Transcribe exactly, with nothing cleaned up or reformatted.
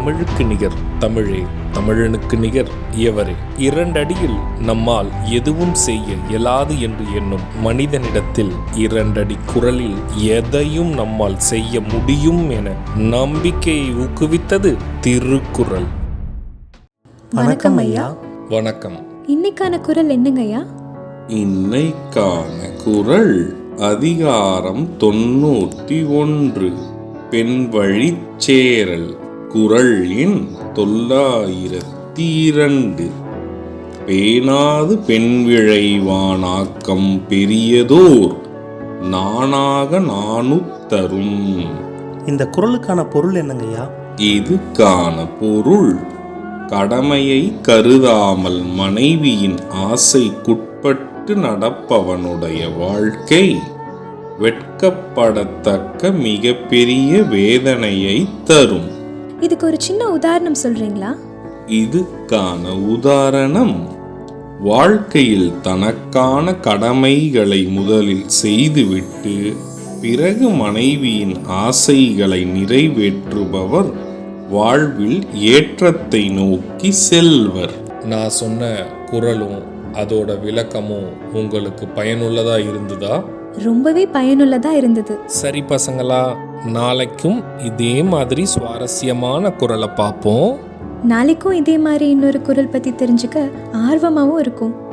தமிழுக்கு நிகர் தமிழே, தமிழனுக்கு நிகர் எவரே. இரண்டடியில் நம்மால் எதுவும் செய்ய இயலாது என்று எண்ணும் மனிதனிடத்தில் இரண்டடி குரலில் எதையும் நம்மால் செய்ய முடியும் என நம்பிக்கையை ஊக்குவித்தது திருக்குறள். வணக்கம் ஐயா. வணக்கம். இன்னைக்கான குறள் என்னங்க ஐயா? இன்னைக்கான குறள் அதிகாரம் தொண்ணூற்றி ஒன்று, பெண் வழி சேரல். குறள் எண் தொள்ளாயிரத்தி இரண்டு. பேணாது பெண் விழைவானாக்கம் பெரியதோர் நானாக நாணுத்தரும். இந்த குறளுக்கான பொருள் என்னங்கய்யா? இதுக்கான பொருள், கடமையை கருதாமல் மனைவியின் ஆசைக்குட்பட்டு நடப்பவனுடைய வாழ்க்கை வெட்கப்படத்தக்க மிகப்பெரிய வேதனையை தரும். இதுக்கு ஒரு சின்ன உதாரணம் சொல்றீங்களா? இதுக்கான உதாரணம், வாழ்க்கையில் தனக்கான கடமைகளை முதலில் செய்துவிட்டு பிறகு மனைவியின் ஆசைகளை நிறைவேற்றுபவர் வாழ்வில் ஏற்றத்தை நோக்கி செல்வர். நான் சொன்ன குறளும் அதோட விளக்கமும் உங்களுக்கு பயனுள்ளதா இருந்ததா? ரொம்பவே பயனுள்ளதா இருந்தது. சரி பசங்களா, நாளைக்கும் இதே மாதிரி சுவாரஸ்யமான குறளை பார்ப்போம். நாளைக்கும் இதே மாதிரி இன்னொரு குறள் பத்தி தெரிஞ்சுக்க ஆர்வமாவும் இருக்கும்.